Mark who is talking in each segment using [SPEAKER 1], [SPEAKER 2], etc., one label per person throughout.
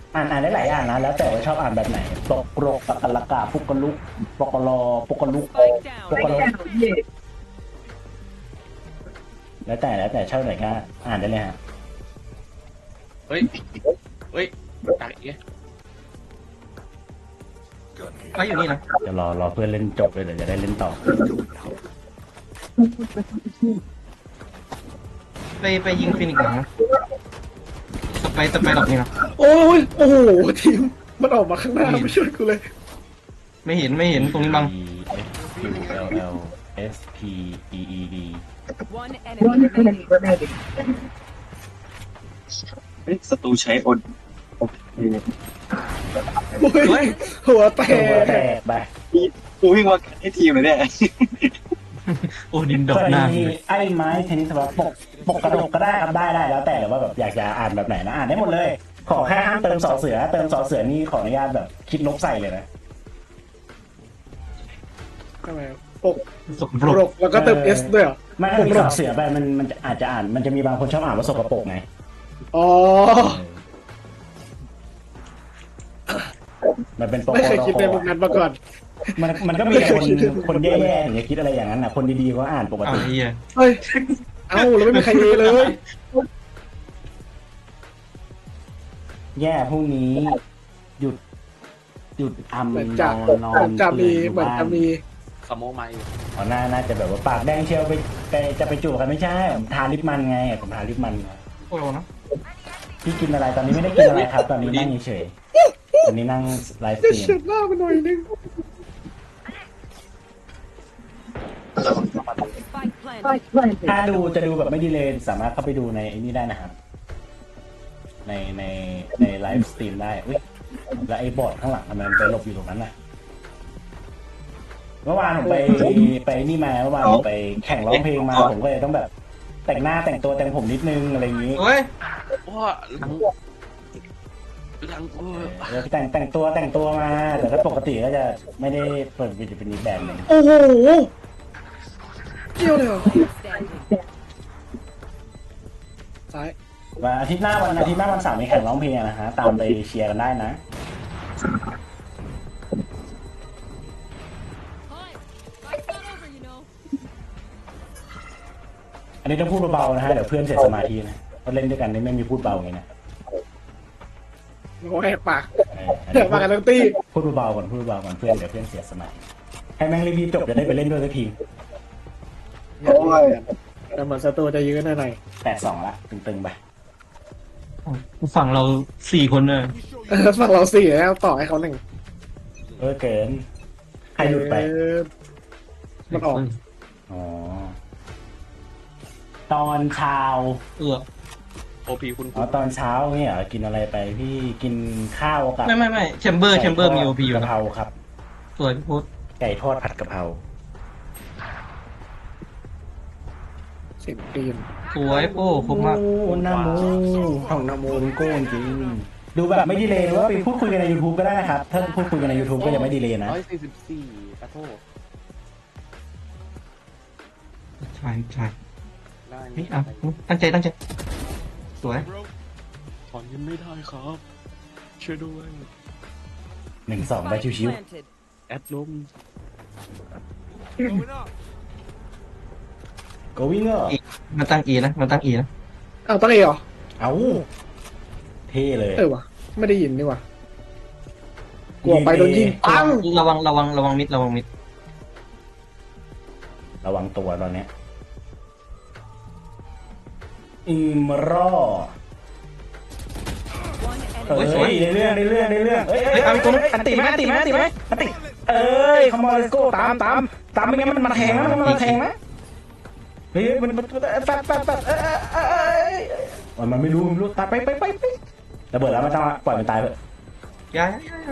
[SPEAKER 1] อ่านได้หลายอย่างนะแล้วแต่ว่าชอบอ่านแบบไหนปกโรกปกลกาปุกกะลุกปกลอปกลุก
[SPEAKER 2] Spike
[SPEAKER 1] ป
[SPEAKER 2] down.
[SPEAKER 1] กลกแล้วแต่ชอบไหนก็อ่านได้เลยฮะ
[SPEAKER 3] เฮ้ยเฮ้ยตักเอ๊ะ
[SPEAKER 4] ไว้อยู่นี่นะ
[SPEAKER 1] จะรอเพื่อนเล่นจบเลยเดี๋ยวจะได้เล่นต่อ
[SPEAKER 4] ไปยิงฟินิกส์หลังนะต่อไปดอกนี่นะ
[SPEAKER 5] โอ้ยโอ้โหทีมมันออกมาข้างหน้าไม่ช่วยกูเลย
[SPEAKER 4] ไม่เห็นตรงนี้บัง
[SPEAKER 1] E F Q L L S P E E D
[SPEAKER 2] One enemy remaining.
[SPEAKER 6] ศัตรูใช้โอน
[SPEAKER 5] โอ้ยหัวแต
[SPEAKER 1] ตัวแต
[SPEAKER 5] ก
[SPEAKER 1] กไป
[SPEAKER 6] กูวิ่งมาให้ทีมเลยเนี่ย
[SPEAKER 4] โอ้ดินด
[SPEAKER 1] ส
[SPEAKER 4] อก
[SPEAKER 1] วัส
[SPEAKER 4] หน้า
[SPEAKER 1] ดีไอ้ไม้เทนนิสแบบปกกระดกก็ได้ครับได้แล้วแต่ว่าแบบอยากจะอ่านแบบไหนนะอ่านได้หมดเลย ขอแค่ห้ามเติมสอเสือนี่ขออนุญาตแบบคิดลบใส่เลยนะ
[SPEAKER 5] ทำไมปก
[SPEAKER 4] สกป
[SPEAKER 5] ป
[SPEAKER 4] ร
[SPEAKER 5] ร
[SPEAKER 4] ก
[SPEAKER 5] กแล้วก็เติม S ด้วยเหรอ
[SPEAKER 1] ไม่ถ้ามีสอเสือไปมันจะอาจจะอ่านมันจะมีบางคนชอบอ่านว่าสกปรกไง
[SPEAKER 5] อ๋อ
[SPEAKER 1] มันเป็นปก
[SPEAKER 5] ไม่เคยคิดในมุมนั้นมาก่อน
[SPEAKER 1] มันก็มีแต่คนแย่ๆถึงจะคิดอะไรอย่างนั้นนะคนดีๆก็อ่านปก
[SPEAKER 4] เอา
[SPEAKER 1] ติ
[SPEAKER 4] ไอ้เหี้ย
[SPEAKER 5] เฮ้ยเอ้าแล้วไม่มีใครเอเลย
[SPEAKER 1] แย่พรุ่งนี้หยุด
[SPEAKER 5] เหมือน
[SPEAKER 1] น
[SPEAKER 5] จะ
[SPEAKER 1] นอ
[SPEAKER 5] เหมือน นจะมี
[SPEAKER 1] อยู่
[SPEAKER 5] เหมือน
[SPEAKER 1] บ้า
[SPEAKER 5] จะมี
[SPEAKER 3] สโมมาอยู่
[SPEAKER 1] อ๋อน่าจะแบบว่าปากแดงเชียวไปจะไปจูบกันไม่ใช่ผมทาลิปมันไงผมทาลิปมัน
[SPEAKER 4] โอ้โหนะ
[SPEAKER 1] พี่กินอะไรตอนนี้ไม่ได้กินอะไรครับ ตอนนี้นั่งเฉยๆตอนนี้นั่งไลฟ์ส
[SPEAKER 5] จะ
[SPEAKER 1] ตรีม
[SPEAKER 5] เฉียดหน้ามันหน่อยนึง
[SPEAKER 2] Spike planted.
[SPEAKER 1] ถ้าจะดูแบบไม่ดีเลยสามารถเข้าไปดูในไอ้นี่ได้นะครับ ในไลฟ์สตรีมได้อุ้ยแล้วไอ้บอร์ดข้างหลังทำไมมันไปหลบอยู่ตรงนั้นน่ะเมื่อวานผมไปนี่มาเมื่อวานผมไปแข่งร้องเพลงมาผมก็เลยต้องแบบ แต่งหน้าแต่งตัวแต่งผมนิดนึงอะไรอย่างนี้
[SPEAKER 4] โอ้ย
[SPEAKER 3] ว้าหลัง
[SPEAKER 1] แล้วแต่งตัวมาแต่ถ้าปกติก็จะไม่ได้เปิดวิดีโอเป็นอีกแบบหนึ่ง
[SPEAKER 5] โอ้โหเกี่ยวเลยเหรอ
[SPEAKER 2] Standing.
[SPEAKER 5] ซ้าย
[SPEAKER 1] วันอาทิตย์หน้าวันเสาร์มีแข่งร้องเพลงนะฮะตามไปเชียร์กันได้นะ อันนี้ต้องพูดเบาๆนะฮะเดี๋ยวเพื่อนเสียสมาธินะเพราะเล่นด้วยกันนี่ไม่มีพูดเบาไงนะ
[SPEAKER 5] โอ้ยปาก
[SPEAKER 1] อัน
[SPEAKER 5] เดี๋
[SPEAKER 1] นี้
[SPEAKER 5] ยวมากันทั้งตี
[SPEAKER 1] พูดเบาๆก่อนเพื่อนเดี๋ยวเพื่อนเสียสมาธิให้แม่งรีบๆจบจะได้ไปเล่นด้วยสักที
[SPEAKER 6] โอ้ย
[SPEAKER 5] แต่เหมือนศัตรูจะยื้อหน่อย
[SPEAKER 1] 8-2ละตึงๆไป
[SPEAKER 4] ฝั่งเรา4 คนเลย
[SPEAKER 5] ฝั่งเราสี่แล้วต่อให้เขาหนึ่ง
[SPEAKER 1] เกินใครหลุดไป
[SPEAKER 5] มันออก
[SPEAKER 1] อ๋อตอนเช้า
[SPEAKER 3] โอพีคุณ
[SPEAKER 1] อ๋อตอนเช้าเนี่ยเหรอกินอะไรไปพี่กินข้าวกับ
[SPEAKER 4] ไม่แชมเบอร์มีโอพีอยู่
[SPEAKER 1] กะ
[SPEAKER 4] นะ
[SPEAKER 1] เพราครับ
[SPEAKER 4] สวยพี่พุทธ
[SPEAKER 1] ไก่ทอดผัดกะเพรา
[SPEAKER 5] เสียงตีน
[SPEAKER 4] สวยโป้คมมาก
[SPEAKER 1] โอ้นาโมของนาโมเป็นโก้จริงดูแบบไม่ดีเลยหรือว่าไปพูดคุยกันใน YouTube ก็ได้นะครับ ถ้าพูดคุยกันใน YouTube ก็ยังไม่ดีเลยนะ
[SPEAKER 3] 144ขอโทษ
[SPEAKER 4] ใช่
[SPEAKER 3] ได้
[SPEAKER 4] เฮ้ยเอาตั้งใจสวย
[SPEAKER 3] ถอนเงินไม่ได้ครับ ช่วยด้วย
[SPEAKER 1] 1-2ไป
[SPEAKER 2] Spike
[SPEAKER 1] ชิว
[SPEAKER 2] planted.
[SPEAKER 3] แอดลม
[SPEAKER 1] ๆ go winner
[SPEAKER 4] มันตั้งอีนะ
[SPEAKER 5] อ้าวตั้งเอเหรอ
[SPEAKER 1] เอาเท่เลย
[SPEAKER 5] วะไม่ได้ยินนี่วะกลัวไปโดนยิงปัง
[SPEAKER 4] ระวังมิด
[SPEAKER 1] ระวังตัวตอนเนี้ยอิมรอ
[SPEAKER 2] One
[SPEAKER 1] เอ้
[SPEAKER 2] enemy.
[SPEAKER 1] ยในเรื่องเอ้ยเอาตัวนั้นอันติไหมเอ้ยคอมมอนเลสโก้ตามไม่งั้นมันแทงนะมันแทงนะเฮ้ยมันแฟดมันไม่รู้ตายไประเบิดแล้วมันต้องปล่อยมันตายเถอะ
[SPEAKER 4] ย้าย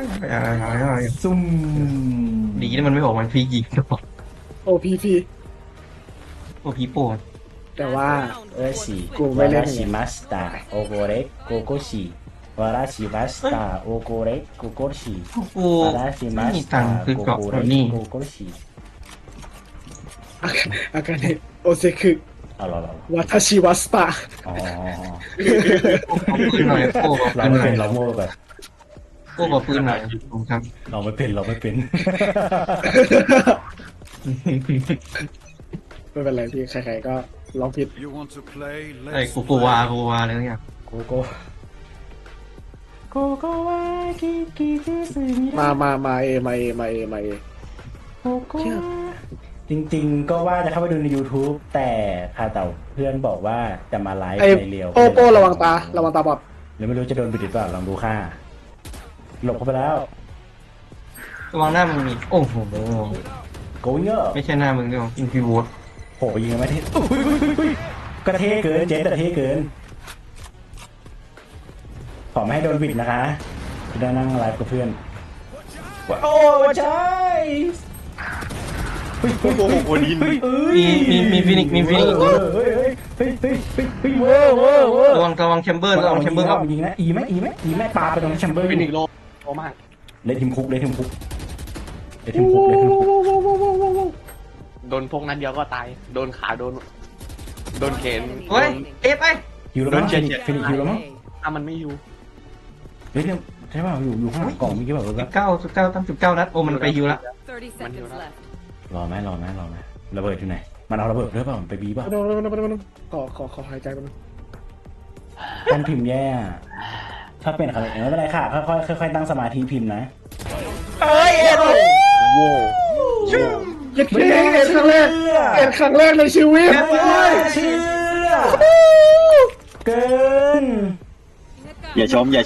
[SPEAKER 1] ซุ่ม
[SPEAKER 4] ดีนะมันไม่ออกมันฟรียิงก็บอก
[SPEAKER 5] โอพีพี
[SPEAKER 4] โอ้ผีโป้
[SPEAKER 5] แต่ว่า
[SPEAKER 1] ชิ
[SPEAKER 5] กูไม่เล่น
[SPEAKER 1] ชิมัสตาโอโกเรโกโกชิวาราชิมัสตาโอโกเรโกโกชิ
[SPEAKER 4] กู
[SPEAKER 1] วาราชิมั
[SPEAKER 4] ไม่
[SPEAKER 1] ส
[SPEAKER 4] มีตั
[SPEAKER 1] ตาง
[SPEAKER 4] ค์ซื้อ
[SPEAKER 1] โก
[SPEAKER 4] เกราะ
[SPEAKER 1] โก
[SPEAKER 4] แบ
[SPEAKER 1] เร
[SPEAKER 4] บนี้
[SPEAKER 1] โกโกชิ
[SPEAKER 5] อาการเนี่ยโอเซคุ
[SPEAKER 1] เอาเรา
[SPEAKER 5] วัตชิวัสตา
[SPEAKER 1] อ๋อ
[SPEAKER 4] ขึ้นหน่อยโป้
[SPEAKER 1] เรา
[SPEAKER 4] ขึ้น
[SPEAKER 1] ไม่
[SPEAKER 4] หน่อ
[SPEAKER 1] เป็
[SPEAKER 4] ย
[SPEAKER 1] นเราโม่ไป
[SPEAKER 4] โอ้ขอปืนหน่อยผมครับ
[SPEAKER 1] เราไม่เป็นเราไม่เป็น
[SPEAKER 5] ไม่เป็นไรพี่ใครๆก็ลองผิด
[SPEAKER 7] You want to play?
[SPEAKER 4] ไอ้
[SPEAKER 7] Let's
[SPEAKER 4] โกวาอะไรเนี่ย
[SPEAKER 1] โกโก้โกโก้วาคิคิคิสึมิ
[SPEAKER 5] มาเอ
[SPEAKER 1] โกโก้จริงๆก็ว่าจะเข้าไปดูใน YouTube แต่ค่ะแต่เพื่อนบอกว่าจะมาไลฟ์
[SPEAKER 5] ไอ้
[SPEAKER 1] ในเรียว
[SPEAKER 5] โป้ระวังตาบอด
[SPEAKER 1] หรือไม่รู้จะโดนบิดหรือเปล่าลองดูค่าหลบเข้าไปแล้ว
[SPEAKER 4] ระวังหน้ามึงมีโอ้โห
[SPEAKER 1] โกวิงเกอร์
[SPEAKER 4] ไม่ใช่หน้ามึงด้วยอินฟิวอร์
[SPEAKER 1] โผล่ไปยิงกันไม่เท่กระเทเกินเจ๊กระเทเกินขอไม่ให้โดนบิดนะคะจะได้นั่งไลฟ์กับเพื่อนโอ้ใช่โอ้โหโอดิน
[SPEAKER 4] มีฟินิกเว้ระวังแชมเบอร์ครับ
[SPEAKER 1] ยิงนะอีไหมปาไปตรงแชมเบอร์
[SPEAKER 3] ฟินิกโลมาก
[SPEAKER 1] เลยทีมคุก
[SPEAKER 3] โดนพกนั้นเดียวก็ตายโดนขาโดนเข็น
[SPEAKER 4] เฮ้ยเอ๊ะไป
[SPEAKER 1] ฮิวแล้วมั้งฟินิกฮิวแล้วมั้ง
[SPEAKER 3] ถ้ามันไม่อยู่
[SPEAKER 1] เฮ้ยใช่ป่ะอยู่ข้างหลังกล่องเมื่อกี้แบบว่า
[SPEAKER 4] 19นัดโอ้มันไปฮิวละ
[SPEAKER 2] 30 seconds left.
[SPEAKER 1] รอไหมระเบิดอยู่ไหนมันเอาระเบิดด้วยเปล่าไปบีป่ะ
[SPEAKER 5] ขอหายใจมัน
[SPEAKER 1] การพิมพ์แย่ถ้าเป็นอะไรไม่เป็นไรค่ะค่อยตั้งสมาธิพิมพ์นะ
[SPEAKER 5] ยัดเค้กครั้งแรกในชีวิต
[SPEAKER 1] เชื่อเกิน
[SPEAKER 6] อย่าชม
[SPEAKER 5] เดี๋ยว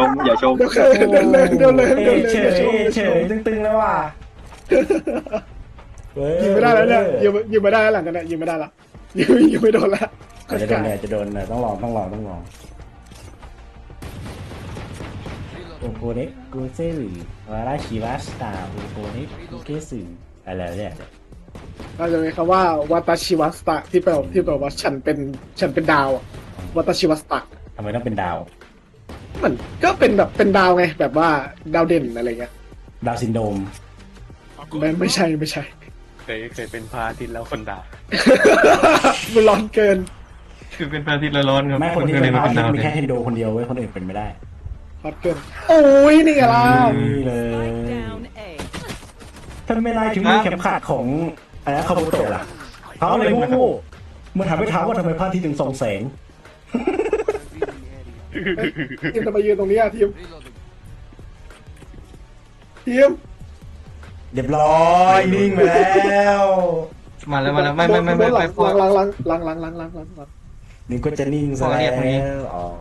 [SPEAKER 1] เฉยตึงๆแล้วว่ะ
[SPEAKER 5] ยิงไม่ได้แล้วเนี่ยยิงไม่ได้แล้วหลังกันเนี่ยยิงไม่ได้ละยิงไม่โดนละ
[SPEAKER 1] จะโดนต้องลองโอโกเน็กกูเซรุวาราชิวาสตาโอโกเน็กกูเกสึอะไรเนี่ย
[SPEAKER 5] เราจะมีคำว่าวัตชิวัสตะที่แปลว่าฉันเป็นดาววัตชิวัสตะ
[SPEAKER 1] ทำไมต้องเป็นดาว
[SPEAKER 5] มันก็เป็นแบบเป็นดาวไงแบบว่าดาวเด่นอะไรเงี้ย
[SPEAKER 1] ดาวซินโดรม
[SPEAKER 5] ไม่ใช่
[SPEAKER 3] เคยเป็นพระอาทิตย์แล้วคนด่า
[SPEAKER 5] มันร้อนเกิน
[SPEAKER 4] คือเป็นพระอาทิตย์ร้อนครับ
[SPEAKER 1] แม่คนที่
[SPEAKER 4] ก็
[SPEAKER 1] เป็น
[SPEAKER 4] มา
[SPEAKER 1] พา
[SPEAKER 4] เป็นดาว
[SPEAKER 1] มีแค่เทนโดคนเดียวเว้ยคนอื่นเป็นไม่ได้
[SPEAKER 5] ฮอตเกินโอ้ยนี่ไงล่ะ
[SPEAKER 1] นี่เลย
[SPEAKER 2] Down A.
[SPEAKER 1] ถ้าไม่ได้ถึงมีเข็มขัดของอะไรคาบุโตะล่ะเขาเลยโง่ๆมันถามไปถามว่าทำไมพระอาทิตย์ถึงส่องแสง
[SPEAKER 5] ทีมจะมายืนตรงนี้อะทีม
[SPEAKER 1] เรียบร้อยนิ่งไปแล้ว
[SPEAKER 4] มาแล้วไม่พอ
[SPEAKER 5] ล้าง
[SPEAKER 1] นี่ก็จะนิ่งซะ
[SPEAKER 4] พอเรียกตรงนี้
[SPEAKER 1] แล้วอ๋อ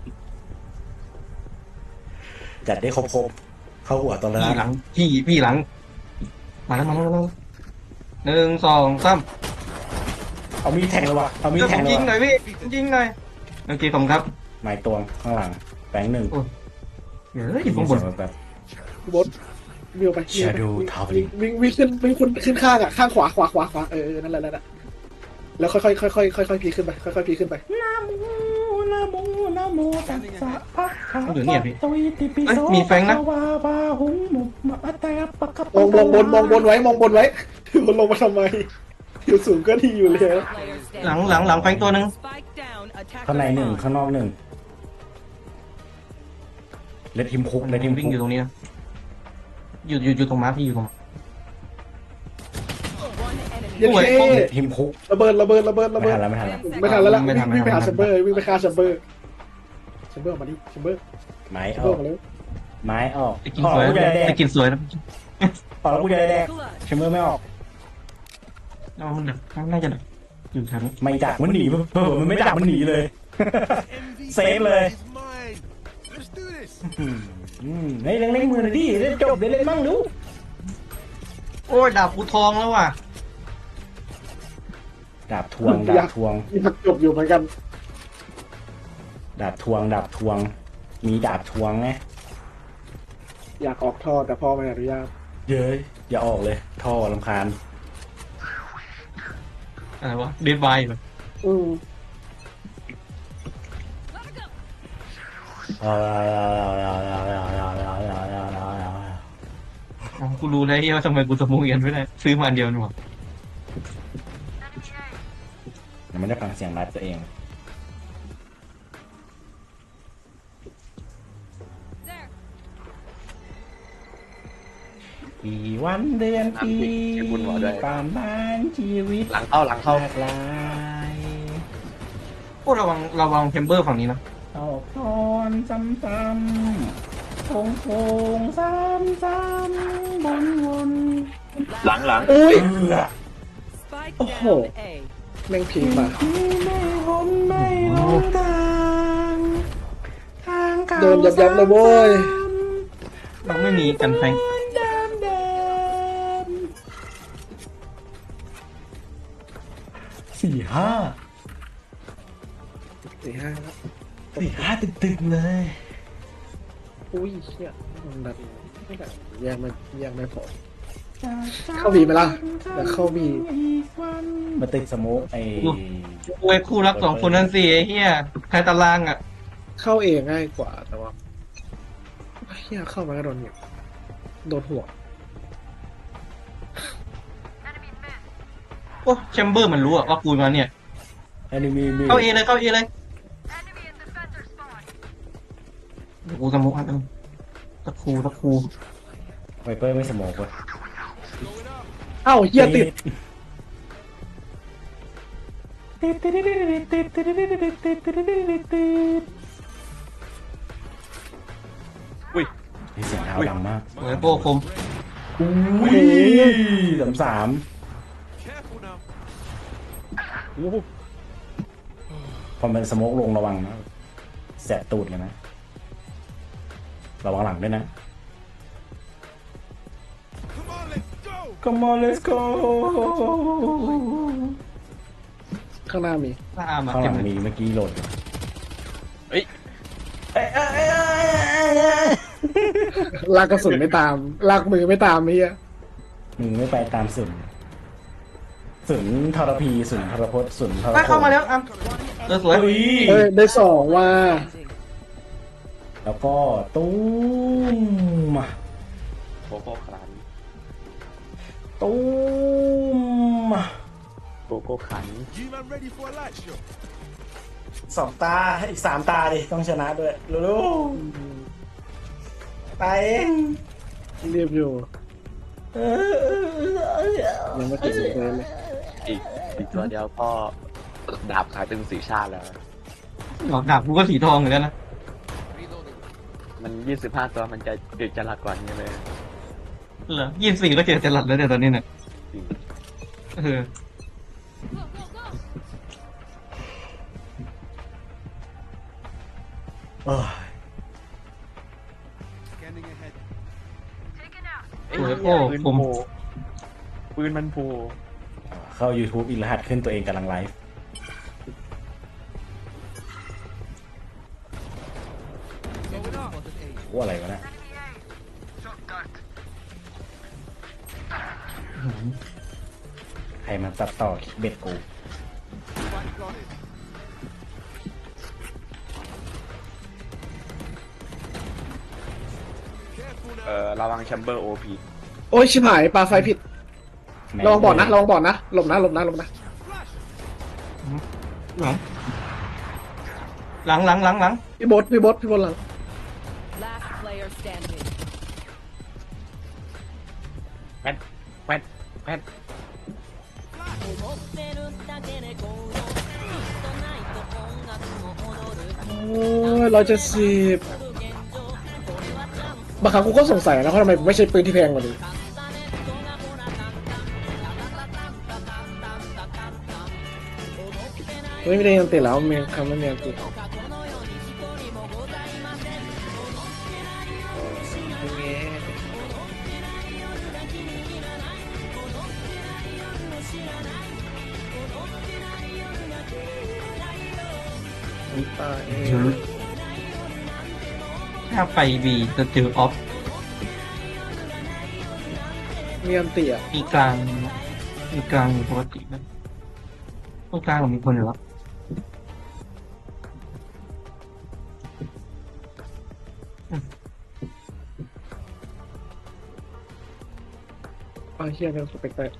[SPEAKER 1] จัดได้ครบเข้าหัวตอนแร
[SPEAKER 4] พี่
[SPEAKER 1] ก
[SPEAKER 4] หลังพี่หลังมาแล้ว1 2 3
[SPEAKER 1] เอามีดแทงเลยว่ะเอามีด
[SPEAKER 4] เดี๋ยว
[SPEAKER 1] แท
[SPEAKER 4] ผ
[SPEAKER 1] ง
[SPEAKER 4] ม
[SPEAKER 1] เลย
[SPEAKER 4] ยิงหน่
[SPEAKER 1] ว่ะ
[SPEAKER 4] อยพี่ยิงหน่อยโอเคผมครับ
[SPEAKER 1] ไม้ตวงข้างหลังแบงค์หนึ่ง
[SPEAKER 4] เฮ้ยผมบน
[SPEAKER 1] แบบ
[SPEAKER 5] บดวิ่งไป
[SPEAKER 1] Shadow Traveling
[SPEAKER 5] วิ่งขึ้นข้างอ่ะข้างขวานั่นแหละแล้วค่อยพีขึ้นไปค่อยพีขึ้นไป
[SPEAKER 1] นะโมตัสสะภะคะ
[SPEAKER 4] อยู่เนี่ยพี่
[SPEAKER 1] วะโตอิติปิโส
[SPEAKER 4] มีแฟงนะ
[SPEAKER 1] ภควาบาหุงมุมะตะปะกะ
[SPEAKER 5] มองบนไว้บนลงมาทำไมอยู่สูงก็ดีอยู่แล้ว
[SPEAKER 2] Players
[SPEAKER 4] หลัง
[SPEAKER 2] standing.
[SPEAKER 4] แฟงตัวหนึ่ง
[SPEAKER 2] Spike down. Attack.
[SPEAKER 1] ข้างในหนึ่งข้างนอกหนึ่งเลดทีมคุกเลดทีม
[SPEAKER 4] วิ่ง
[SPEAKER 1] คุ
[SPEAKER 4] อก ยู่ตรงนี้นะอยู่ตรงม้าพี่อยู่ตรง
[SPEAKER 2] One enemy.
[SPEAKER 5] ยันเท่
[SPEAKER 1] เลดทีมคุก
[SPEAKER 5] ระเบิด
[SPEAKER 1] ไม่ทันแล้ว
[SPEAKER 5] ไม่ทันแล้ววิ่งไปหาแชมเบอร์วิ่งไปฆ่าแชมเบอร์มาดิแชมเบอร์
[SPEAKER 1] ไม้อ
[SPEAKER 5] เบอ
[SPEAKER 1] อ
[SPEAKER 5] ร์
[SPEAKER 1] ก
[SPEAKER 5] มาแล้ว
[SPEAKER 1] ไม้ออก
[SPEAKER 4] จะกินสวย
[SPEAKER 1] กูจะได้แด
[SPEAKER 4] จะ
[SPEAKER 1] ก
[SPEAKER 4] กินสวยนะ
[SPEAKER 1] ออกแล้วกูจะได้แดก
[SPEAKER 2] Clutch.
[SPEAKER 1] แชมเบอร์ไม่ออก
[SPEAKER 4] มันดักน่าจะดักอยู่แถวนี้
[SPEAKER 1] ไม่ดักมันหนีมันไม่ดักมันหนีเลย เซฟเลย
[SPEAKER 7] is mine. Let's do this.
[SPEAKER 1] เฮ้ยเล่นมือหน่อยดิเล่นจบเล่นมั่งดู
[SPEAKER 4] โอ้ยดาบกูทองแล้วว่ะ
[SPEAKER 1] ดาบทวง
[SPEAKER 5] มีผักจบอยู่เหมือนกัน
[SPEAKER 1] ดาบทวงมีดาบทวงไง
[SPEAKER 5] อยากออกท่อแต่พ่อไม่อนุญาต
[SPEAKER 1] เย้ยอย่าออกเลยท่อรำคาญ
[SPEAKER 4] อะไรวะเดดไวแบบ กูรู้แล้วว่าทำไมกูสมูเอียนไม่ได้ซื้อมาอันเดียวนี่หว่า
[SPEAKER 1] มันไม่ได้ฟังเสียงไลฟ์ตัวเอง
[SPEAKER 2] There.
[SPEAKER 1] กี่วันเดือนปี
[SPEAKER 3] น้ำบุญหัวด้วย
[SPEAKER 1] ตามบ้านชีวิต
[SPEAKER 3] หลังเข้าหลังเข้า
[SPEAKER 1] หลากหลาย
[SPEAKER 4] พวกระวังเทมเบอร์ฝั่งนี้นะ
[SPEAKER 1] เอาพรซ้ำๆโค้งซ้ำวน
[SPEAKER 6] หลังหลัง
[SPEAKER 5] อุ้ย
[SPEAKER 2] Spike
[SPEAKER 5] Oh.
[SPEAKER 2] down A.
[SPEAKER 5] แม่งพีคมา
[SPEAKER 1] ไม่พ้นไม่หลงทางเก่า
[SPEAKER 5] โดนยับๆเลยโว้ย
[SPEAKER 4] เราไม่มีกันแฟง
[SPEAKER 1] เดิมสี่ห้า
[SPEAKER 5] 4-5แล้ว
[SPEAKER 1] ตึกเลย
[SPEAKER 5] อุ้ยเชี่ยมันแบบไม่แบบแยกไม่พอ เข้าบีไหมล่ะเดี๋ยวเข้าบี
[SPEAKER 1] มาติดสโมกไอ้
[SPEAKER 4] โอ้ยคู่รัก2 คนนั่นสิไอ้เหี้ยใครตารางอ่ะ
[SPEAKER 5] เข้าเองง่ายกว่าแต่ว่าเฮียเข้ามาก็โดนเนี่ยโดนหัว
[SPEAKER 4] โอ้แชมเบอร์มันรู้อะว่ากูมาเนี่ย
[SPEAKER 1] แอนิมี
[SPEAKER 4] เข้าเอเลยกูสมุกอันนึงตะคู
[SPEAKER 1] ไวเปอร์ไม่สโมกเว้ย
[SPEAKER 5] เอ้าเฮียติด
[SPEAKER 3] อุ้ย
[SPEAKER 1] เสียงเท้าดังมาก
[SPEAKER 4] โอ้ยโป้คม
[SPEAKER 1] อุ้ยสาม
[SPEAKER 7] Careful now.
[SPEAKER 1] พอมันสโมกลงระวังนะแสบตูดเลยนะ ระวังหลังด้วยนะ
[SPEAKER 7] Come on, let's go.
[SPEAKER 1] Come on let's go
[SPEAKER 5] ข้างหน้ามี
[SPEAKER 4] หน้ามา
[SPEAKER 1] ข้างห
[SPEAKER 4] เต็
[SPEAKER 1] ลั
[SPEAKER 4] ม
[SPEAKER 1] ง
[SPEAKER 4] เลย
[SPEAKER 1] มีเมื่อกี้โหลด
[SPEAKER 3] เฮ้ย
[SPEAKER 5] ลากกระสุนไม่ตาม ลากมือไม่ตามเฮีย
[SPEAKER 1] มึงไม่ไปตามสุนทรพีสุนทรพจน์สุนทรพจน์
[SPEAKER 4] เข้ามาแล้วอ่ะสวย
[SPEAKER 1] เฮ้ย
[SPEAKER 5] เฮ้ยได้2ว่า
[SPEAKER 1] แล้วก็ตุ้มมา
[SPEAKER 3] โคโค่ครัน
[SPEAKER 1] ตุ้มมา
[SPEAKER 3] โกโก้ขัน
[SPEAKER 7] G-Man ready for a light show.
[SPEAKER 1] 2 ตาอีก3 ตาดิต้องชนะด้วยรู้ๆไปเอง
[SPEAKER 5] เรียบอยู่ยังไม่ถึงเลย
[SPEAKER 3] อีกตัวเดียวก็ดาบขายเป็นสีชาติแล้ว
[SPEAKER 4] หลอกดาบกูก็สีทองเหมือนกันนะ
[SPEAKER 3] มัน25 ตัวมันจะดึกจะหลักกว่านี้เลย
[SPEAKER 4] เหรอ24ก็เจอจะหลัดแล้วเนี่ยตอนนี้เนี่ย
[SPEAKER 3] จริง
[SPEAKER 4] เออ
[SPEAKER 1] เอ้ย
[SPEAKER 7] Scanning ahead.
[SPEAKER 4] โอ้ยโอ้
[SPEAKER 3] ปืน
[SPEAKER 4] ผม
[SPEAKER 3] โผล่ปืนมันโผล่
[SPEAKER 1] เข้า YouTube อีกรหัสขึ้นตัวเองกำลังไลฟ์
[SPEAKER 7] Going up.
[SPEAKER 1] ว่าอะไรวะเนะใครมาตัดต่อคลิปเบ็ดกู
[SPEAKER 7] Spike planted. Careful now.
[SPEAKER 3] ระวังแชมเบอร์โอพี
[SPEAKER 5] โอ้ยชิบหายปลาไฟผิดลองบอดนะลองบอดนะหลบนะ
[SPEAKER 4] หลัง
[SPEAKER 5] พี่บดหลัง
[SPEAKER 2] Last player standing.
[SPEAKER 3] แพท
[SPEAKER 5] โอ้ย170บางครั้งกูก็สงสัยนะว่าทำไมไม่ใช่ปืนที่แพงกว่านี้ไม่ได้ยันติแล้วเมียคำว่าเมียติตาย
[SPEAKER 4] ถ้าไปบีจะเจอออฟ
[SPEAKER 5] เมียนเตี่ย
[SPEAKER 4] มีกลางอยู่ปกตินะตรงกลางเรามีคนอยู่แล้ว
[SPEAKER 5] เฮียเป็นสเปกเตอร์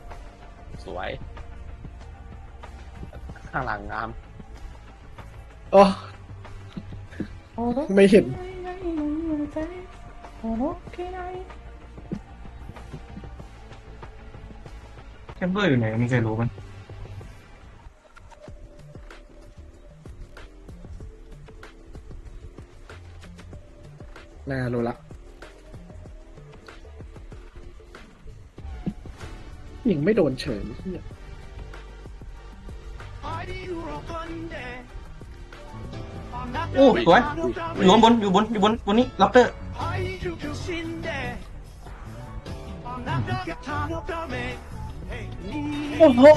[SPEAKER 3] สวย ข้างหลังงาม
[SPEAKER 5] อ๋อไม่เห็น
[SPEAKER 4] แคมเบอร์อยู่ไหนมีใครรู้มั้ย
[SPEAKER 5] น่ารู้ละยิงไม่โดนเฉยเหี้ย
[SPEAKER 4] โอ้สวยอยู่บนบนนี้ล็อกเตอร์
[SPEAKER 5] โอ้โห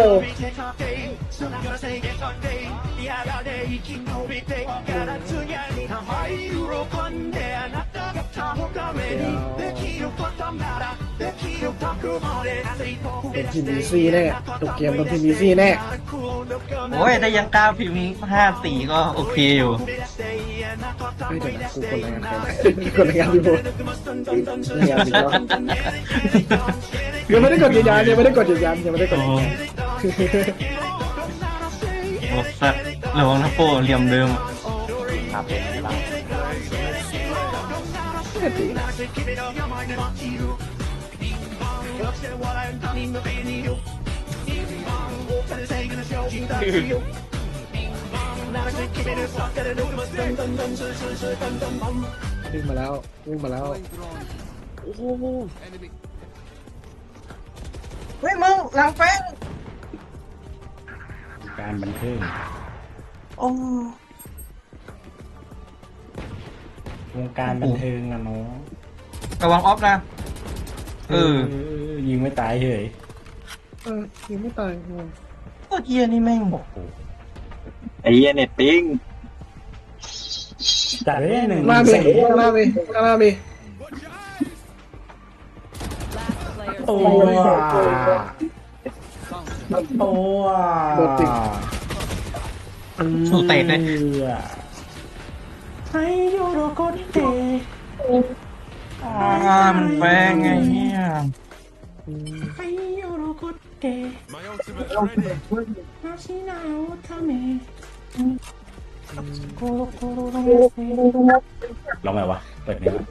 [SPEAKER 5] เป็นทีมบีซีแน่ตุกเกมเป็นทีมบีซีแน่
[SPEAKER 4] โอ้ยได้ยังกล้าพิมพ์5-4ก็โอเคอยู่
[SPEAKER 5] เฮ้ยเดี๋ยวนะกูคนรายงานใครไหนคนรายงานพี่โบรายงานพี่โบยังไม่ได้กดยืนยันยังไม่ได้กดยืนยันยังไม่ได้กด
[SPEAKER 4] โอ้
[SPEAKER 5] ยืนยัน
[SPEAKER 4] โหสัตว์ระวังนะโป้เหลี่ยมเดิม
[SPEAKER 3] ครับผมครับ
[SPEAKER 5] วิ่งมาแล้ววิ่งมาแล้ว
[SPEAKER 7] Going drone. Enemy.
[SPEAKER 4] เฮ้ยมึงหลังแฟง
[SPEAKER 1] การบันเทิง
[SPEAKER 4] โอ้
[SPEAKER 1] วงการบันเทิงนะน้อง
[SPEAKER 4] ระวังออฟนะ
[SPEAKER 1] ยิงไม่ตายเฉย
[SPEAKER 5] ยังไม่ตาย
[SPEAKER 4] โคตรเฮียนี่แม่งบอก
[SPEAKER 6] ไอ้เหี้ยเน็ตปิ้ง
[SPEAKER 1] จัดเลยหนึ่ง
[SPEAKER 5] หน้ามีข้างหน้ามีข้างหน้ามี
[SPEAKER 2] Last player
[SPEAKER 1] ตัว
[SPEAKER 2] standing.
[SPEAKER 1] ตัว
[SPEAKER 5] โดดติด
[SPEAKER 4] สู้เตะเลย
[SPEAKER 1] ให้ยูโรโกเตะ
[SPEAKER 4] มันแฟงไงเนี่ย
[SPEAKER 1] ให้ยูโรโกเตะ
[SPEAKER 7] My ultimate's ready.
[SPEAKER 1] มาชินาโอทาเมโกโรโกโรโรเมเซลองไหมวะเปิดไหมวะ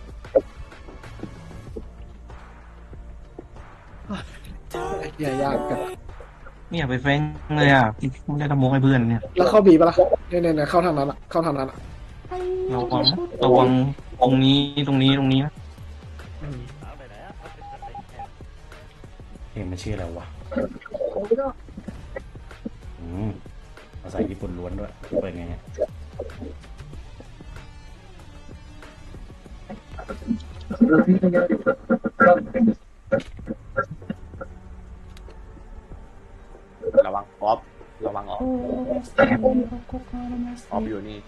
[SPEAKER 5] อย่ายากกัน
[SPEAKER 4] ไม่อยากไปแฟงเลยอ่ะไม่ได้ทำโมกให้เพื่อนเนี่ย
[SPEAKER 5] แล้วเข้าบีปะล่ะเนี่ยเข้าทางนั้นอ่ะเข้าทางนั้นอ่ะ
[SPEAKER 4] ระวังตรงนี้นะ
[SPEAKER 1] เพลงมันชื่ออะไรวะภาษาญี่ปุ่นล้วนด้วยเปิดไงเนี่ย
[SPEAKER 3] ระวังออฟระวังออฟออฟอยู่นี่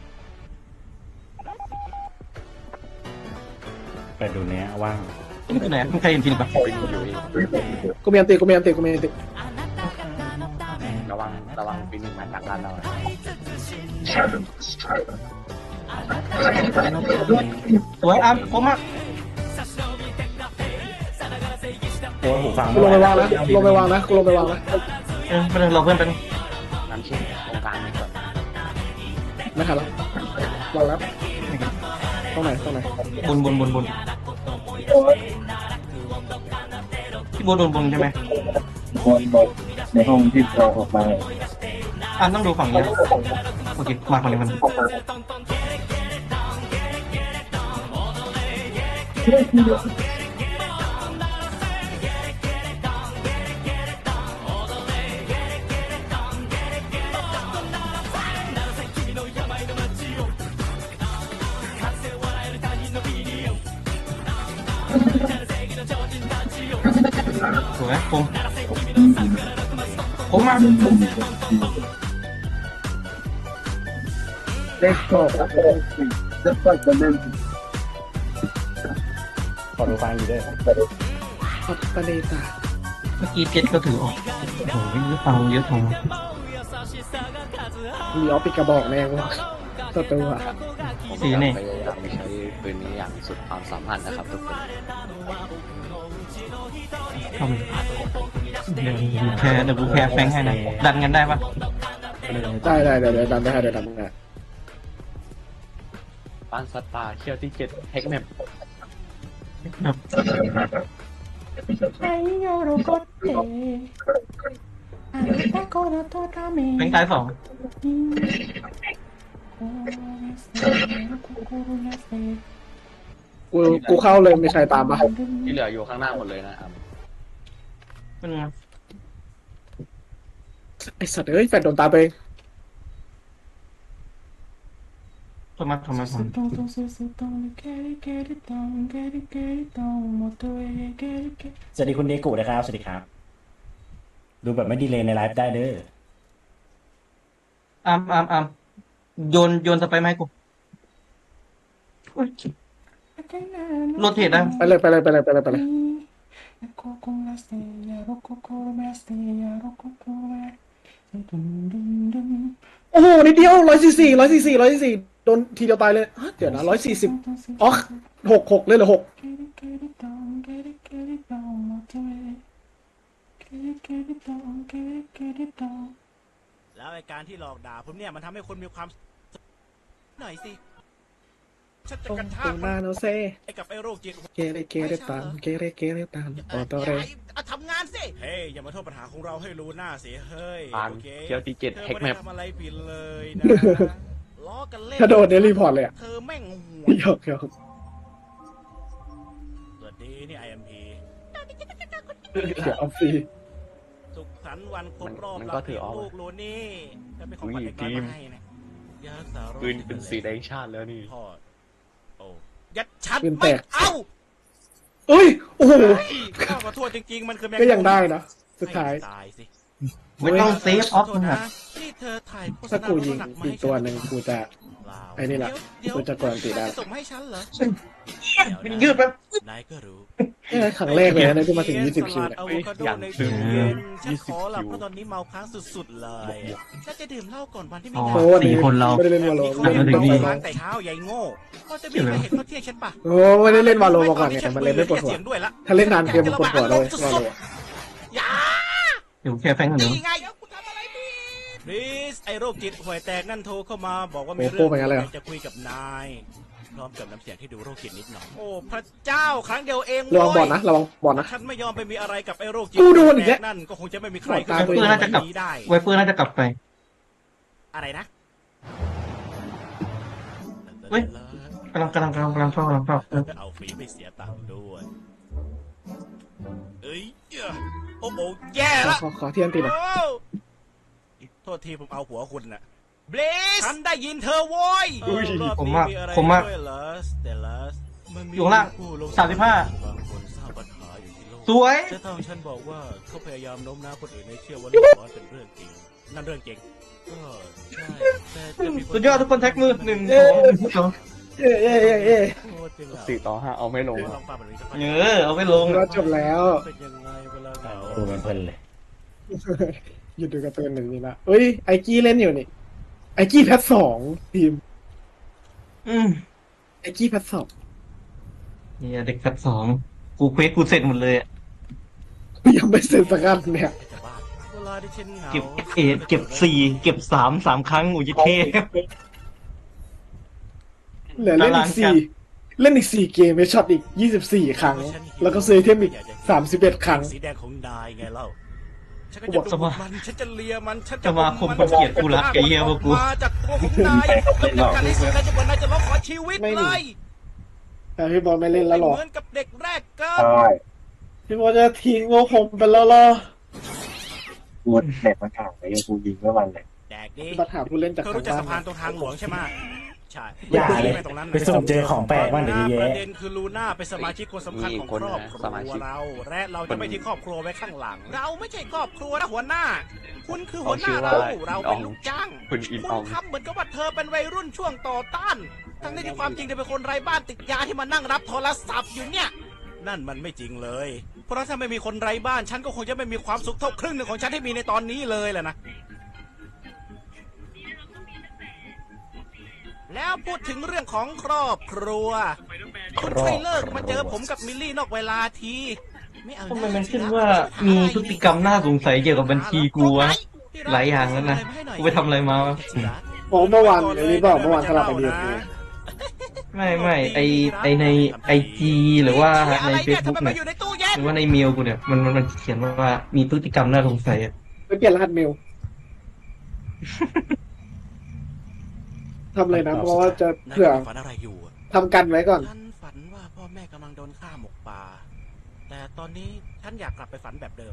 [SPEAKER 1] ไปดูเนี้ยว่าง
[SPEAKER 4] ที่ไหนไม่เคยเห็นฟิลิปปะ
[SPEAKER 3] เป็นอยู่นี่
[SPEAKER 5] กูมีอันติกูมีอันติ
[SPEAKER 3] ระวังปีนึงมาจากร้านเรา
[SPEAKER 4] สวยอ่ะผมอ่ะ
[SPEAKER 1] ตัวหูฟัง
[SPEAKER 5] กูลงไปวางนะกูลงไปวางนะ
[SPEAKER 4] ไม่เป็นไรเราเพื่อนเป็น
[SPEAKER 3] น้ำชิ้นตรงกลางนี่ก่อน
[SPEAKER 5] ไม่ทันแล้ววางแล้วตรงไหน
[SPEAKER 4] บนพี่โบโดนบนใช่ไหม
[SPEAKER 6] คนบอกในห้องที่เราออกมา
[SPEAKER 4] ต้องดูฝั่งนี้โอเคมาฝั่งนี้มันสวยผมมา
[SPEAKER 6] เล็กโตจะเปิดกันเล่น
[SPEAKER 1] ขอดูฟังอยู่ด้วย
[SPEAKER 5] ปัตตานีตา
[SPEAKER 4] เมื่อกี้เพชรก็ถือออกโอ้โหเยอะฟังเยอะทอง
[SPEAKER 5] มีออฟปิกกระบอกแน่วะตัว
[SPEAKER 3] ผมพยายามใช้ปืนนี้อย่างสุดความสามารถนะครับทุกคน
[SPEAKER 4] เข้าไปเดี๋ยวกูแค่แฟงให้นะดันกันได้ปะ
[SPEAKER 5] ได้เดี๋ยวดันได้เดี๋ยวดันได้
[SPEAKER 3] ปานสัตว์ป่าเคียวที่7แฮกแมป
[SPEAKER 4] แบงค์ตาย2
[SPEAKER 5] กูเข้าเลยมีใครตามปะ
[SPEAKER 3] ที่เหลืออยู่ข้างหน้าหมดเลยนะครับ
[SPEAKER 4] มัน
[SPEAKER 5] ไอสัตว์เอ้ยแฟนโดนตามไปเอง
[SPEAKER 4] ทำไม
[SPEAKER 1] สวัสดีคุณเดกุนะครับสวัสดีครับ ดูแบบไม่ดีเลยในไลฟ์ได้เด้อ
[SPEAKER 4] อามโยนสไปร์มาให้กูอุ๊ยโรเทตได้
[SPEAKER 5] ไปเลยโอ้โหนิดเดียว144โดนทีเดียวตายเลยเดี๋ยวนะ140อ๋อ6เลยเหรอ6
[SPEAKER 7] แล้วไอ้การที่หลอกด่าผมเนี่ยมันทำให้คนมีความหน่อยสิฉันจะกระชา
[SPEAKER 5] ตร
[SPEAKER 7] ก
[SPEAKER 5] งห
[SPEAKER 7] มัน
[SPEAKER 5] น้าโนเซ่
[SPEAKER 7] ไอ้กับไอ้โรคจิต
[SPEAKER 5] เกเรตามโอโตเร
[SPEAKER 7] ทำงานสิเฮ้ยอย่ามาโทษปัญหาของเราให้รู้หน้าสิเฮ้ย
[SPEAKER 3] ปาน
[SPEAKER 7] โอเค
[SPEAKER 3] เคียวที่7
[SPEAKER 7] เธอ
[SPEAKER 3] แฮก
[SPEAKER 7] ไม่
[SPEAKER 3] แม
[SPEAKER 7] ได้
[SPEAKER 3] ป
[SPEAKER 7] ทำอะไรผิดเลยนะล้อกันเล่น
[SPEAKER 5] ถ้าโดนเนี่ยรีพอร์ตเลยอ่ะ
[SPEAKER 7] เธอแม่งห่ว
[SPEAKER 5] หยอก
[SPEAKER 7] สวัสดีนี่ IMP
[SPEAKER 5] เดี๋ยวเอาฟรี
[SPEAKER 7] สุขสันต์วันครบรอบ
[SPEAKER 3] มันก็ถือเอา
[SPEAKER 7] ลูกโลนี่จะเป็นของขวัญเล็กน้อยมาให้นะยารักษาโรค
[SPEAKER 3] ปืนเป็นสีแดงชาติแล้วนี่
[SPEAKER 7] พ่อโอ้ยัดชัดไม่เอา
[SPEAKER 5] เอ้ยโอ้โห
[SPEAKER 7] ข้าขอโทษจริงๆมันคือแมง
[SPEAKER 5] ก็ยังได้นะสุดท้าย
[SPEAKER 7] ให้ตายสิ
[SPEAKER 4] ไม่ต้องเซฟออฟ
[SPEAKER 7] ขอโท
[SPEAKER 4] มั
[SPEAKER 7] ษ
[SPEAKER 4] น
[SPEAKER 7] นะ
[SPEAKER 4] อะ
[SPEAKER 7] ที่เธอถ่ายโฆษ
[SPEAKER 5] ถ้า
[SPEAKER 7] ณา
[SPEAKER 5] กูยิง
[SPEAKER 7] ลดน้ำหนักมา
[SPEAKER 5] อีก
[SPEAKER 7] ให้
[SPEAKER 5] ตัว
[SPEAKER 7] ฉั
[SPEAKER 5] หนึ่งกูจะ
[SPEAKER 7] เปล่า
[SPEAKER 5] ไอ้นี่แหละ
[SPEAKER 7] เดี๋ยว
[SPEAKER 5] กูจะกวนตีได้
[SPEAKER 7] ส่งมาให้ฉันเหรอ
[SPEAKER 4] มันยืดแป๊บ
[SPEAKER 7] นายก็รู้
[SPEAKER 5] นี่ครั้งแรกเลยนะที่มาถึง20คิว
[SPEAKER 7] สลัด
[SPEAKER 5] เนี่ย
[SPEAKER 7] อะโวคาโดในตู้เย็นฉันขอหลับเพราะตอนนี้เมาค้างสุดๆเลยฉันจะดื่มเหล้าก่อนวันที่มี
[SPEAKER 4] อ๋อ
[SPEAKER 7] งาน
[SPEAKER 5] เพราะวันนี้
[SPEAKER 4] 4 คนเรา
[SPEAKER 5] ไม่ได้เล่นวอลโล
[SPEAKER 7] เขา
[SPEAKER 5] ไม่
[SPEAKER 7] เรีย
[SPEAKER 5] ได้
[SPEAKER 7] ก
[SPEAKER 5] เล่น
[SPEAKER 7] ว่า
[SPEAKER 5] วอลโล
[SPEAKER 7] ค้างแต่เช้าใหญ่โง่ก็จะมีใครเห็นเขาเที่ยงฉันปะ
[SPEAKER 5] โอ้ไม่ได้เล่นวอลโลมาก่อนเนี่ยมันเลยไม่ปวดหัว
[SPEAKER 7] เสียงด้วยละ
[SPEAKER 5] ถ้าเล่นนานเกมมันปวดหัวเลยวอลโล
[SPEAKER 7] อย่า
[SPEAKER 4] เดี๋ยวแค่แฟงกันเดี๋ยว
[SPEAKER 7] นี่ไงกูทำอะไรผิด please ไอโรคจิตห่วยแตกนั่นโทรเข้ามาบอกว่ามี
[SPEAKER 5] โอ้
[SPEAKER 7] เรื่
[SPEAKER 5] โหเป็นไงเลยเหรอ
[SPEAKER 7] จะคุยกับนายพร้อมกับน้ำเสียงที่ดูโรคจิตนิดหน่อยโอ้พระเจ้าครั้งเดียวเอง
[SPEAKER 5] ระวังบอล
[SPEAKER 7] เว้ย
[SPEAKER 5] นะระวังบอลนะ
[SPEAKER 7] ฉันไม่ยอมไปมีอะไรกับไอ้โรคจิต
[SPEAKER 5] กูโดนอีกแล้ว
[SPEAKER 7] นั่นก็คงจะไม่มีใคร
[SPEAKER 5] ตาม
[SPEAKER 4] ไวเปอร์น่าจะกลับ
[SPEAKER 7] นี้ได้
[SPEAKER 4] ไวเปอร์น่าจะกลับไป
[SPEAKER 7] อะไรนะ
[SPEAKER 4] เฮ้ย กำลังเข้า
[SPEAKER 7] เอาฟรีไม่เสียตังค์ด้วยเอ้ยโอ้โหแย่ละ
[SPEAKER 5] ขอเทียนตีหน่อย
[SPEAKER 7] โอ้โทษทีผมเอาหัวคุณน่ะเบลสฉันได้ยินเธอโว้ยรอบนี้อะไรด้วยเหรอสเตลัสมันมี
[SPEAKER 4] อยู่ข้างล่าง
[SPEAKER 7] ผู้ล
[SPEAKER 4] 35
[SPEAKER 7] บางคนสร้างปัญหาอยู่ที่โลก
[SPEAKER 4] สวย
[SPEAKER 7] แต่ทางฉันบอกว่าเขาพยายามโน้มน้าวคนอื่นให้เชื่อว่าเรื่องร้อนเป็นเรื่องจริงนั่นเรื่องจริงก็ใช่แต่จะมีคน
[SPEAKER 4] สุดยอดทุกคนแท็กมือ1 2
[SPEAKER 5] เอ้ย
[SPEAKER 7] โคตรเป็นเหล่า
[SPEAKER 3] 4-5เอาไม่ลง
[SPEAKER 7] ล
[SPEAKER 3] อะ
[SPEAKER 7] องฟังแบบนี้สักพัก
[SPEAKER 4] เอาไปลง
[SPEAKER 5] เราจบแล้ว
[SPEAKER 7] เป็นยังไงเวลาเหงา
[SPEAKER 1] ดูมันเพลินเลย
[SPEAKER 5] หยุดดูการ์ตูนหนึ่งนี่ละเอ้ยไอกี้เล่นอยู่นี่ไอกี้แพท2ทีม
[SPEAKER 4] อืม
[SPEAKER 5] ไอกี้แพท2
[SPEAKER 4] เนี่ยเด็กแฟต2กูเควสกูเสร็จหมดเลยอะ
[SPEAKER 5] ยังไม่เสร็จสักอันเนี่ย
[SPEAKER 7] แต่บ้านเวลาที่ฉันเหงา
[SPEAKER 4] เก็บเก็บ4เก็บ3 ครั้งอุยเท
[SPEAKER 5] เหลือเล่นอีก4เล่นอีก4เกมไปช็อตอีก24ครั้ง แล้วก็ซื้อไอเทมอีก31ครั้ง
[SPEAKER 7] สีแดงของนายไงเล่าฉันก็
[SPEAKER 5] กูบ
[SPEAKER 7] จะ
[SPEAKER 5] อก
[SPEAKER 7] ดูดมันฉันจะเลียมันฉัน
[SPEAKER 4] สมาคมคนเกลียดกูรักไอ้เหี้ยพวกกู
[SPEAKER 7] มาจากตัวของนายแล้วการที่สุดนายจะบอกนายจะร้องขอชีวิต
[SPEAKER 5] ไม่มี
[SPEAKER 7] เลย
[SPEAKER 5] แต่พี่บอลไม่เล่นแล้วหรอ
[SPEAKER 7] เหมือนกับเด็กแรกเกิด
[SPEAKER 6] ใช่
[SPEAKER 5] พี่บอลจะทิ้งพวกผมไปแล้วเหรอ
[SPEAKER 6] กูเน็ตมันห่างไปกูยิงเมื่อวันเลย
[SPEAKER 7] แดกดิ
[SPEAKER 5] ปัญหาผู้เล่นจาก
[SPEAKER 7] เธอ
[SPEAKER 5] ทาง
[SPEAKER 7] รู้จัก
[SPEAKER 5] บ้า
[SPEAKER 7] สะพาน
[SPEAKER 5] น
[SPEAKER 7] ตรงทางหลวงใช่ไหมใช่
[SPEAKER 1] อย่าเลย
[SPEAKER 7] ไปตรงนั้น
[SPEAKER 1] ไปสุ่มเจอของแปลกบ้างเดี๋ยว
[SPEAKER 7] ป
[SPEAKER 1] เย
[SPEAKER 7] ระ
[SPEAKER 1] อะ
[SPEAKER 7] เด็นคือลูน่าเป็นสมาชิกคนสำคัญของครอบครัวเราและเราจะไม่ทิ้งครอบครัวไว้ข้างหลัง เราไม่ใช่ครอบครัวนะหัวหน้า คุณคือหัวหน้าเราเป็นลูกจ้าง
[SPEAKER 3] คุณอิน
[SPEAKER 7] คุ
[SPEAKER 3] ออ
[SPEAKER 7] ณ
[SPEAKER 3] ง
[SPEAKER 7] ทำเหมือนกับว่าเธอเป็นวัยรุ่นช่วงต่อต้าน ทั้งที่ความจริงเธอเป็นคนไร้บ้านติดยาที่มานั่งรับโทรศัพท์อยู่เนี่ย นั่นมันไม่จริงเลย เพราะถ้าไม่มีคนไร้บ้านฉันก็คงจะไม่มีความสุขเท่าครึ่งหนึ่งของฉันที่มีในตอนนี้เลยแหละนะ แล้วพูดถึงเรื่องของครอบครัว คุณช่วยเลิกมาเจอผมกับมิลลี่นอกเวลาที ไม่เอา
[SPEAKER 4] ทำไมมันขึ้นว่ามีพฤติกรรมน่าสงสัยเกี่ยวกับบัญชีกูวะ
[SPEAKER 7] พ
[SPEAKER 4] หลายอย่างแล้วนะกูไปทำอะไรมาวะ
[SPEAKER 5] อ๋อเมื่อวานอันนี้บอกเมื่อวานสลับไปเดียวกู
[SPEAKER 4] ไม่ไอในไอจีหรือว่าในเฟซบุ๊กเนี่ยหรือว่าในเมลกูเนี่ยมันเขียนว่ามีพฤติกรรมน่าสงสัยอะ
[SPEAKER 5] ไปเปลี่ยนรหัสเมลทำเลยนะเพราะว่าจะเผื่อ
[SPEAKER 7] ฝันอะไรอยู่อะ
[SPEAKER 5] ทำกันไว้ก่อน
[SPEAKER 7] ฉันฝันว่าพ่อแม่กำลังโดนฆ่าหมกป่า แต่ตอนนี้ฉันอยากกลับไปฝันแบบเดิม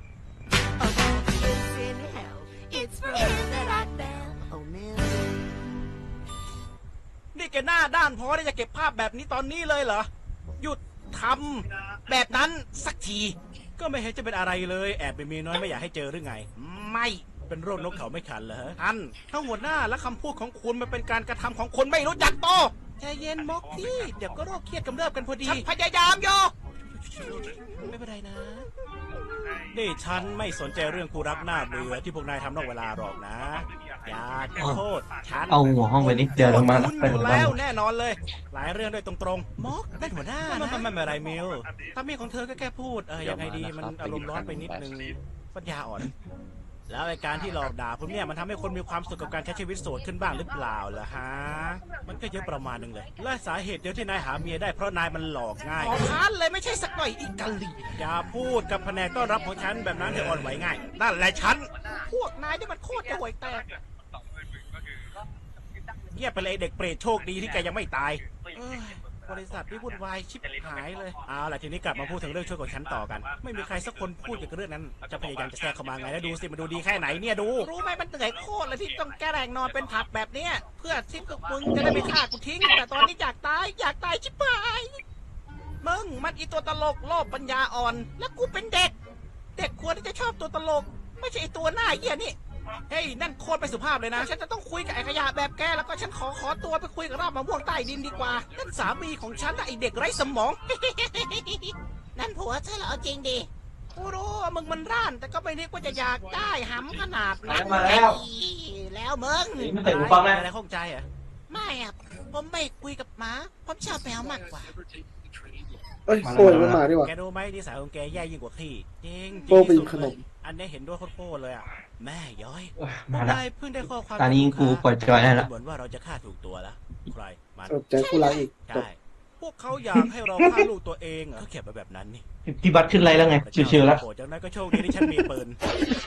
[SPEAKER 7] นี่แกหน้าด้านพอที่จะเก็บภาพแบบนี้ตอนนี้เลยเหรอ หยุดทำแบบนั้นสักที ก็ไม่เห็นจะเป็นอะไรเลย แอบไปมีน้อยไม่อยากให้เจอหรือไง ไม่เป็นโรคนกเขาไม่ขันเหรอท่านทั้งหัวหน้าและคำพูดของคุณมันเป็นการกระทำของคนไม่รู้จักโตใจเย็นม็อกที่เดี๋ยวก็โรคเครียดกำเริบกันพอดีฉันพยายามอยู่ไม่เป็นไรนะนี่ฉันไม่สนใจเรื่องคู่รักหน้าเบื่อที่พวกนายทำนอกเวลาหรอกนะ อย่าโทษฉัน
[SPEAKER 4] เอาหัวห้องไปนิดเดียวลงมา
[SPEAKER 7] คุณ
[SPEAKER 4] ไป
[SPEAKER 7] อยู่
[SPEAKER 4] ถึงบ้า
[SPEAKER 7] แล้
[SPEAKER 4] น
[SPEAKER 7] วแน่นอนเลย หลายเรื่องด้วยตรงๆม็อกเป็นหัวหน้านะไม่เป็นไรมิวถ้ามีของเธอก็แค่พูดยังไงดีมันอารมณ์ร้อนไปนิดนึงปัญญาอ่อน แล้วไอ้การที่หลอกด่าผมเนี่ยมันทำให้คนมีความสุขกับการใช้ชีวิตโสดขึ้นบ้างหรือเปล่าล่ะฮะมันก็เยอะประมาณนึงเลยและสาเหตุเดียวที่นายหาเมียได้เพราะนายมันหลอกง่ายขอทานเลยไม่ใช่สักหน่อยอีกะลีอย่าพูดกับแผนกต้อนรับของฉันแบบนั้นเธออ่อนไหวง่ายนั่นแหละฉันพวกนายนี่มันโคตรจะห่วยแตกเงียบไปเลยเด็กเปรตโชคดีที่แกยังไม่ตายบริษัทนี่วุ่นวายชิบหายเลยเอาล่ะทีนี้กลับมาพูดถึงเรื่องช่วยของฉันต่อกันไม่มีใครสักคนพูดเกี่ยวกับเรื่องนั้นจะพยายามจะแทรกเข้ามาไงแล้วดูสิมันดูดีแค่ไหนเนี่ยดูรู้ไหมมันเหนื่อยโคตรเลยที่ต้องแกล้งนอนเป็นผักแบบเนี้ยเพื่อที่พวกมึงจะได้ไม่ฆ่ากูทิ้งแต่ตอนนี้อยากตายชิบหายมึงมันอีตัวตลกโลภปัญญาอ่อนแล้วกูเป็นเด็กควรที่จะชอบตัวตลกไม่ใช่ไอตัวหน้าเหี้ยนี่เฮ้ยนั่นโคตรไปสุภาพเลยนะฉันจะต้องคุยกับไอ้ขยะแบบแกแล้วก็ฉันขอตัวไปคุยกับรากมะม่วงใต้ดินดีกว่านั่นสามีของฉันนะไอเด็กไร้สมอง นั่นผัวฉันเหรอจริงดิกูรู้ว่ามึงมันร่านแต่ก็ไม่นึกว่าจะอยากได้หำขนาดนั้น
[SPEAKER 4] มาแล้ว
[SPEAKER 7] แล้วมึง
[SPEAKER 4] ไม่ใส่หูฟังนะ
[SPEAKER 7] อะไรข้องใจอ่ะไม่อ่ะผมไม่คุยกับหมาผมชอบแมวมากกว่า
[SPEAKER 5] เอ้ยโอ้ยมันมาดีกว่า
[SPEAKER 7] แกรู้ไหมนิสัยของแกแย่ยิ่งกว่าขี้จริง
[SPEAKER 5] โป้ไป
[SPEAKER 7] ที่สุด
[SPEAKER 5] ขนม
[SPEAKER 7] เลยอันนี้เห็นด้วยโคตรเลยอ่ะแม่ย้อย
[SPEAKER 4] มาแล้ว
[SPEAKER 7] นายเพิ่งได้ข้อความ
[SPEAKER 4] ตอนนี้กูปล่อยจอยได้แล้ว
[SPEAKER 7] เหมือนว่าเราจะฆ่าถูกตัวแล้วใครมัน
[SPEAKER 5] สนใจกูรักอีกจบ
[SPEAKER 7] ใช่พวกเขาอยากให้เราฆ่าลูกตัวเองเหรอเขาเขียนไปแบบนั้นนี่
[SPEAKER 4] พี่บัตรขึ้นไรแล้วไงชิวๆแล้ว
[SPEAKER 7] โอ้จากนั้นก็โชคดีที่ฉันมีปืน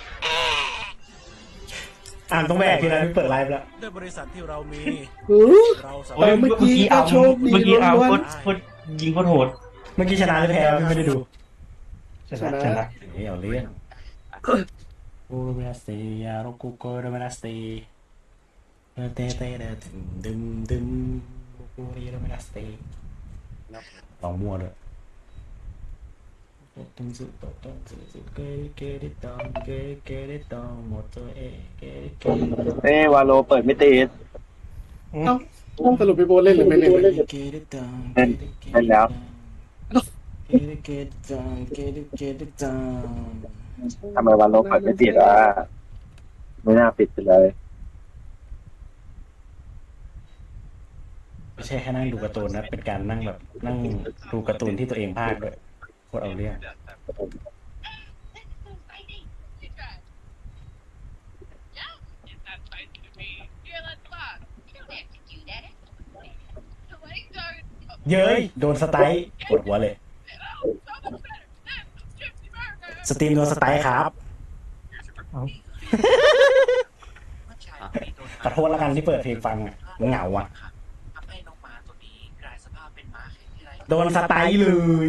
[SPEAKER 1] อ่านตรงแม่พี่นะพี่เปิดไลฟ์แล้ว
[SPEAKER 7] ด้วยบริษัทที่เรามี
[SPEAKER 5] หือ
[SPEAKER 7] เราสา
[SPEAKER 5] เอ
[SPEAKER 7] มาร
[SPEAKER 5] อ
[SPEAKER 7] ถ
[SPEAKER 5] เมื่อกี้ก็โชคดี
[SPEAKER 4] เมื่อกี้เอา
[SPEAKER 5] ล้วน
[SPEAKER 4] โคตรยิงโคตรโหด
[SPEAKER 1] เมื่อกี้ชนะหรือแพ้วะพี่ไม่ได้ดู
[SPEAKER 4] ชนะ
[SPEAKER 1] เฮ้ยเอาเรื่องโอโรมาสเตียโรกุโกโรมาสเตีเตเตเตดึมโอโรมาสเตีลองมั่วด้วยต้องสุดต้องสุดเกดิตองเกดิตองหมดตัวเกดิ
[SPEAKER 6] วาโลเปิดไม่ติด
[SPEAKER 5] เอ้าสรุปพี่โบเล่นหรือไม่เล่น
[SPEAKER 6] เล่นแล้ว ทำไมวาโลเปิดไม่ติดอ่ะไม่น่าปิดไปเลย
[SPEAKER 1] ไม่ใช่แค่นั่งดูการ์ตูนนะเป็นการนั่งแบบนั่งดูการ์ตูนที่ตัวเองพากย์ด้วยโคตรเอาเรื่อง เย้ยโดนสไตล์ปวดหัวเลย สตรีมโดนสไตล์ครับ ขอโทษแล้วกันที่เปิดเพลงฟังอ่ะเหงาอ่ะ โดนสไตล์เลย